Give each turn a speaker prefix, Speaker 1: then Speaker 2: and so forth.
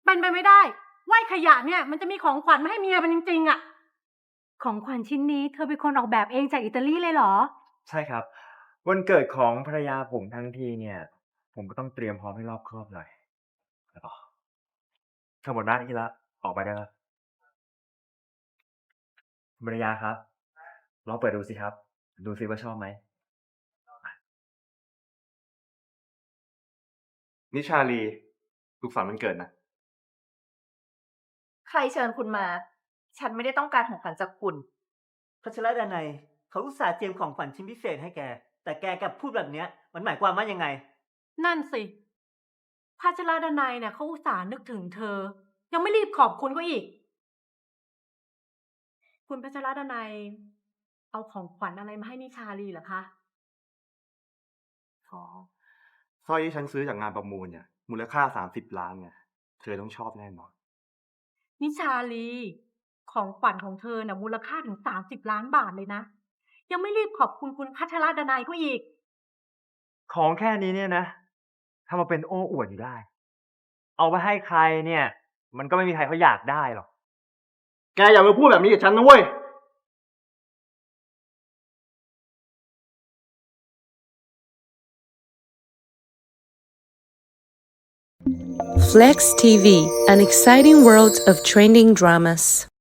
Speaker 1: เป็นไปไม่ได้ว่าขยะเนี่ยมันจะมีของขวัญมาให้เมียมันจริงๆอะของขวัญชิ้นนี้เธอเป็นคนออกแบบเองจากอิตาลีเลยเหรอ
Speaker 2: ใช่ครับวันเกิดของภรรยาผมทั้งทีเนี่ยผมก็ต้องเตรียมพร้อมให้รอบคอบหน่อยแล้วก็ทำหมดหน้าที่แล้วออกไปได้แล้วคุณภรรยาครับลองเปิดดูสิครับดูสิว่าชอบไหม
Speaker 3: นิชาลีสุขสันต์วันเกิดนะ
Speaker 4: ใครเชิญคุณมา ฉันไม่ได้ต้องการของขวัญจากคุณ
Speaker 5: พัชรดนัยเขาอุตส่าห์เตรียมของขวัญชิ้นพิเศษให้แก แต่แกกลับพูดแบบเนี้ย มันหมายความว่ายังไง
Speaker 1: นั่นสิภาชราดนัยเนี่ยเขาอุตส่าห์นึกถึงเธอ ยังไม่รีบขอบคุณก็อีก คุณพัชรดนัยเอาของขวัญอะไรมาให้นิชาลีเหรอคะ
Speaker 3: อ๋อสร้อยที่ฉันซื้อจากงานประมูลเนี่ยมูลค่า30 ล้านไงเธอต้องชอบแน่นอน
Speaker 1: นิชาลีของขวัญของเธอน่ะมูลค่าถึง30 ล้านบาทเลยนะ ยังไม่รีบขอบคุณคุณพัชรดนัยก็อีก
Speaker 2: ของแค่นี้เนี่ยนะทำมาเป็นโอ้อวดอยู่ได้เอาไปให้ใครเนี่ยมันก็ไม่มีใครเขาอยากได้หรอก
Speaker 3: แกอย่ามาพูดแบบนี้กับฉันนะเว้ย
Speaker 6: Flex TV, an exciting world of trending dramas.